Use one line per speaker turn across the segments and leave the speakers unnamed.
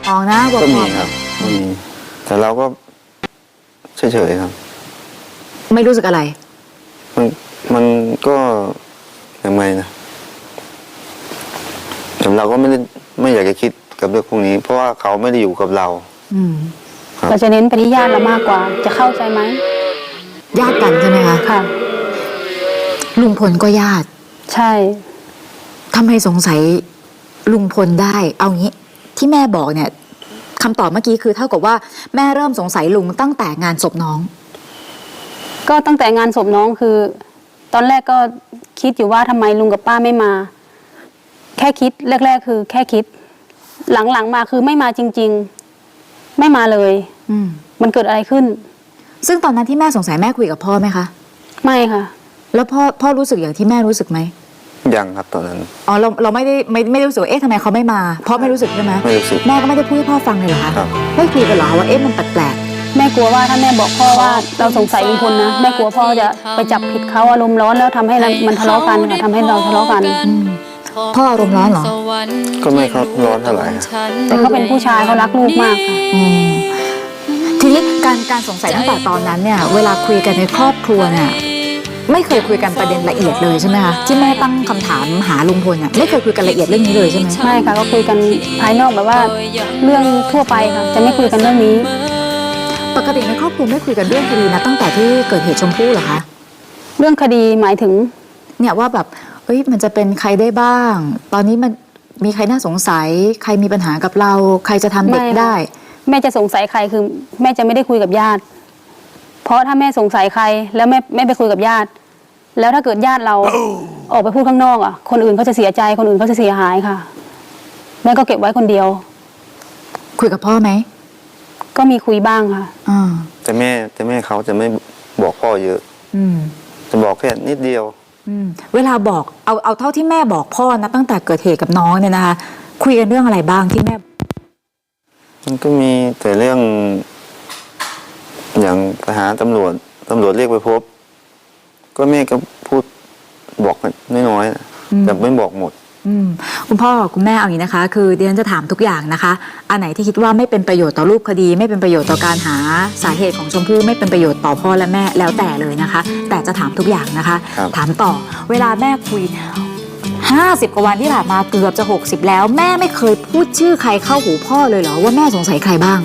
อ๋อนะบอก
ก็มีครับก็มีแต่เราก็เฉยๆครับ
ไม่รู้สึกอะไร
มันก็ยังไงนะแต่เราก็ไม่อยากจะคิดกับเรื่องพวกนี้ เพราะว่าเขาไม่ได้อยู่กับเรา
เราจะเน้นไปที่ญาติเรามากกว่าจะเข้าใจไหม
ญาติกันใช่ไหมคะ
ค่ะ
ลุงพลก็ญาติ
ใช่
ทำไมสงสัยลุงพลได้เอางี้ที่แม่บอกเนี่ยคำตอบเมื่อกี้คือเท่ากับว่าแม่เริ่มสงสัยลุงตั้งแต่งานศพน้อง
ก็ตั้งแต่งานศพน้องคือตอนแรกก็คิดอยู่ว่าทำไมลุงกับป้าไม่มาแค่คิดแรกๆคือแค่คิดหลังๆมาคือไม่มาจริงๆไม่มาเลยมันเกิดอะไรขึ้น
ซึ่งตอนนั้นที่แม่สงสัยแม่คุยกับพ่อไหมคะ
ไม่ค่ะ
แล้วพ่อรู้สึกอย่างที่แม่รู้สึกไหม
ยังครับตอนนั้น
อ๋อเราไม่ได้รู้สึกว่าเอ๊ะทำไมเขาไม่มาพ่อไม่รู้สึกใช่ไหม
ไม่รู้สึก
แม่ก็ไม่ได้พูดให้พ่อฟังเลยเหรอคะไม่คุยกันเหรอว่าเอ๊ะมันแปลก
แม่กลัวว่าถ้าแม่บอกพ่อว่าเราสงสัยลุงพลนะแม่กลัวพ่อจะไปจับผิดเขาอารมณ์ร้อนแล้วทำให้มันทะเลาะกันค่ะทำให้เราทะเลาะกัน
พ่ออารมณ์ร้อนเหรอ
ก็ไม่เขาร้อนเท่าไหร่
แต่เขาเป็นผู้ชายเขารักลูกมากค่ะ
ทีนี้การสงสัยตั้งแต่ตอนนั้นเนี่ยเวลาคุยกันในครอบครัวเนี่ยไม่เคยคุยกันประเด็นละเอียดเลยใช่ไหมคะที่แม่ตั้งคำถามหาลุงพลเนี่ยไม่เคยคุยกันละเอียดเรื่องนี้เลยใช่ไหม
ไม่ค่ะก็คุยกันภายนอกแบบว่าเรื่องทั่วไปค่ะจะไม่คุยกันเรื่องนี้
ปกติในครอบครัวไม่คุยกันเรื่องคดีนะตั้งแต่ที่เกิดเหตุชมพู่เหรอคะ
เรื่องคดีหมายถึง
เนี่ยว่าแบบเอ้ยมันจะเป็นใครได้บ้างตอนนี้มันมีใครน่าสงสัยใครมีปัญหากับเราใครจะทำเด็กได้
แม่จะสงสัยใครคือแม่จะไม่ได้คุยกับญาติเพราะถ้าแม่สงสัยใครแล้วแม่ไปคุยกับญาติแล้วถ้าเกิดญาติเราออกไปพูดข้างนอกอ่ะคนอื่นเขาจะเสียใจคนอื่นเขาจะเสียหายค่ะแม่ก็เก็บไว้คนเดียว
คุยกับพ่อไหม
ก็มีคุยบ้างค่ะ
แต่แม่เขาจะไม่บอกพ่อเยอะจะบอกแค่นิดเดียว
เวลาบอกเอาเท่าที่แม่บอกพ่อนะตั้งแต่เกิดเหตุกับน้องเนี่ยนะคะคุยกันเรื่องอะไรบ้างที่แม่
มันก็มีแต่เรื่องอย่างไปหาตำรวจเรียกไปพบก็แม่ก็พูดบอกน้อยๆแต่ไม่บอกหมด
คุณพ่อคุณแม่เอาอย่างนี้นะคะคือดิฉันจะถามทุกอย่างนะคะอันไหนที่คิดว่าไม่เป็นประโยชน์ต่อรูปคดีไม่เป็นประโยชน์ต่อการหาสาเหตุของชมพู่ไม่เป็นประโยชน์ต่อพ่อและแม่แล้วแต่เลยนะคะแต่จะถามทุกอย่างนะคะถามต่อเวลาแม่คุย50 กว่าวันที่ผ่านมาเกือบจะ60แล้วแม่ไม่เคยพูดชื่อใครเข้าหูพ่อเลยเหรอว่าแม่สงสัยใครบ้าง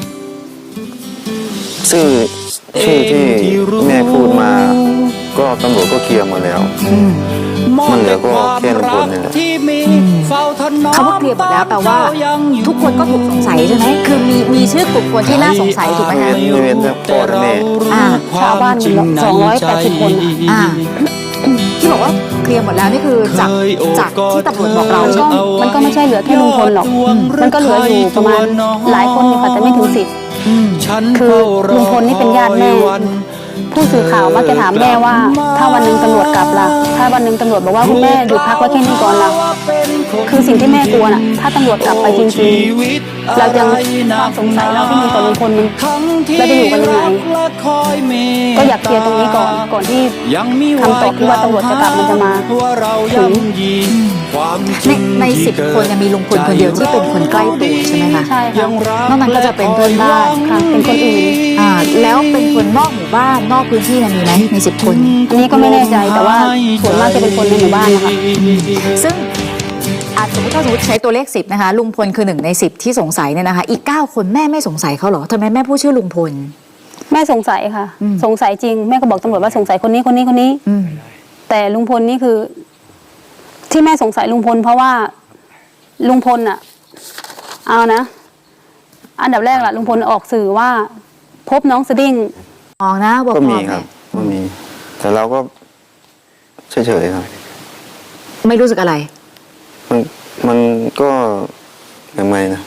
ชื่อที่แม่พูดมาก็ตำรวจก็เคลียร์หมดแล้วมันเหลือก็แค่ลุงพลนี่แหละ
คำว่าเคลียร์หมดแล้วแปลว่าทุกคนก็ถูกสงสัยใช่ไหมคือมีชื่อกลุ่มคนที่น่าสงสัยถูกไหมคะ
ไม่เว้นแต่พ่อและแม่
ชาวบ้าน280 คน
ที่บอกว่าเคลียร์หมดแล้วนี่คือจากที่ตำรวจบอกเรา
มันก็ไม่ใช่เหลือแค่ลุงพลหรอกมันก็เหลืออยู่ประมาณหลายคนอยู่ค่ะแต่ไม่ถึง10คือลุงพลนี่เป็นญาติแม่ผู้สื่อข่าวมักจะถามแม่ว่าถ้าวันหนึ่งตำรวจกลับล่ะถ้าวันหนึ่งตำรวจบอกว่าคุณแม่หยุดพักไว้แค่นี้ก่อนล่ะคือสิ่งที่แม่กลัวน่ะถ้าตำรวจกลับไปจริงๆเรายังความสงสัยเราที่มีต่อลุงพลมันเราจะอยู่กันยังไงก็อยากเคลียร์ตรงนี้ก่อนที่คำตอบที่ว่าตำรวจจะกลับมันจะมาถึง
ใน10 คนมีลุงพลคนเดียวที่เป็นคนใกล้ตัวใช่ไหมคะ
ใช่ค่ะ
นอกนั้นก็จะเป็นเพื่อนบ้าน
ค่ะเป็นคนอื่น
แล้วเป็นคนนอกหมู่บ้านนอกพื้นที่มีไหมใน10 คน
อันนี้ก็ไม่แน่ใจแต่ว่าส่วนมากจะเป็นคนในหมู่บ้านนะคะ
ซึ่งสมมติถ้าใช้ตัวเลข10นะคะลุงพลคือ1 ใน 10ที่สงสัยเนี่ยนะคะอีก9 คนแม่ไม่สงสัยเขาเหรอทำไมแม่พูดชื่อลุงพล
แม่สงสัยค่ะสงสัยจริงแม่ก็บอกตำรวจว่าสงสัยคนนี้แต่ลุงพลนี่คือที่แม่สงสัยลุงพลเพราะว่าลุงพลเอานะอันดับแรกลุงพลออกสื่อว่าพบน้องสดิ้ง
นะบอก
ก็มีครับก็มีแต่เราก็เฉยๆครับ
ไม่รู้สึกอะไร
มันก็ยังไงนะ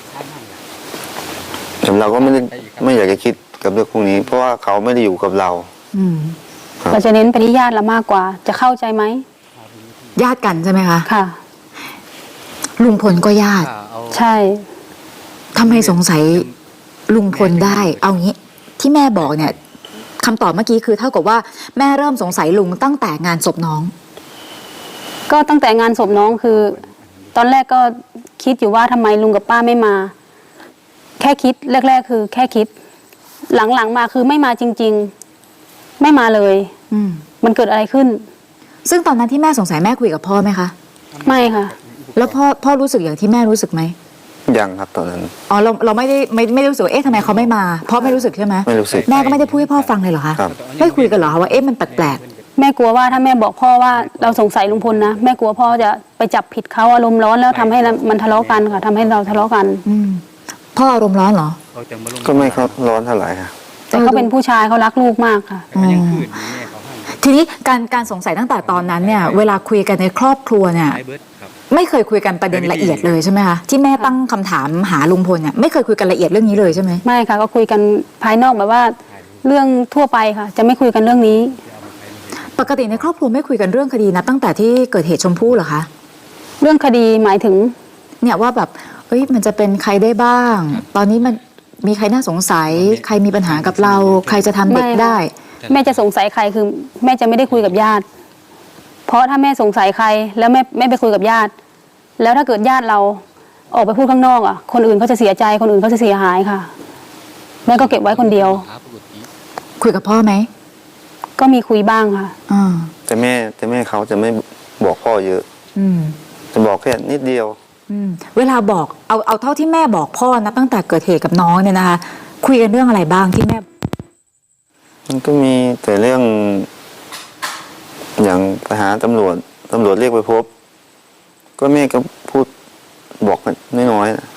แต่เราก็ไม่อยากจะคิดกับเรื่องพวกนี้ เพราะว่าเขาไม่ได้อยู่กับเรา
เราจะเน้นไปที่ญาติเรามากกว่าจะเข้าใจไหม
ญาติกันใช่ไหมคะ
ค่ะ
ลุงพลก็ญาติ
ใช่
ทำไมสงสัยลุงพลได้เอางี้ที่แม่บอกเนี่ยคำตอบเมื่อกี้คือเท่ากับว่าแม่เริ่มสงสัยลุงตั้งแต่งานศพน้อง
ก็ตั้งแต่งานศพน้องคือตอนแรกก็คิดอยู่ว่าทำไมลุงกับป้าไม่มาแค่คิดแรกๆคือแค่คิด หลังๆมาคือไม่มาจริงๆไม่มาเลย มันเกิดอะไรขึ้น
ซึ่งตอนนั้นที่แม่สงสัยแม่คุยกับพ่อไหมคะ
ไม่ค่ะ
แล้วพ่อรู้สึกอย่างที่แม่รู้สึกไหม
ยังครับตอนนั้น
อ๋อเราไม่ได้รู้สึกว่าเอ๊ะทำไมเขาไม่มาพ่อไม่รู้สึกใช่ไหม
ไม่รู้สึก
แม่ก็ไม่ได้พูดให้พ่อฟังเลยเหรอคะ
ครับ
ไม่คุยกันเหรอคะว่าเอ๊ะมันแปลก
แม่กลัวว่าถ้าแม่บอกพ่อว่าเราสงสัยลุงพลนะแม่กลัวพ่อจะไปจับผิดเขาอารมณ์ร้อนแล้วทำให้มันทะเลาะกันค่ะทำให้เราทะเลาะกัน
พ่ออารมณ์ร้อนเหรอ
ก็ไม่ครับร้อนเท่าไหร่ค่ะ
แต่เขาเป็นผู้ชายเขารักลูกมากค่ะ
ทีนี้การสงสัยตั้งแต่ตอนนั้นเนี่ยเวลาคุยกันในครอบครัวเนี่ยไม่เคยคุยกันประเด็นละเอียดเลยใช่ไหมคะที่แม่ตั้งคำถามหาลุงพลเนี่ยไม่เคยคุยกันละเอียดเรื่องนี้เลยใช่ไหม
ไม่ค่ะก็คุยกันภายนอกแบบว่าเรื่องทั่วไปค่ะ จะไม่คุยกันเรื่องนี้
ปกติในครอบครัวไม่คุยกันเรื่องคดีนะตั้งแต่ที่เกิดเหตุชมพู่เหรอคะ
เรื่องคดีหมายถึง
เนี่ยว่าแบบเอ้ยมันจะเป็นใครได้บ้าง ตอนนี้มันมีใครน่าสงสัยใครมีปัญหากับเราใครจะทำเด็กได้
แม่จะสงสัยใครคือแม่จะไม่ได้คุยกับญาติ เพราะถ้าแม่สงสัยใครแล้วแม่ไปคุยกับญาติ แล้วถ้าเกิดญาติเราออกไปพูดข้างนอกอ่ะคนอื่นเขาจะเสียใจคนอื่นเขาจะเสียหายค่ะแม่ก็เก็บไว้คนเดียว
คุยกับพ่อไหม
ก็มีคุยบ้างค่ะ
แต่แม่เขาจะไม่บอกพ่อเยอะจะบอกแค่นิดเดียว
เวลาบอกเอาเท่าที่แม่บอกพ่อนะตั้งแต่เกิดเหตุกับน้องเนี่ยนะคะคุยกันเรื่องอะไรบ้างที่แม่
มันก็มีแต่เรื่อง อย่างไปหาตำรวจเรียกไปพบ ก็แม่ก็พูดบอกน้อยๆ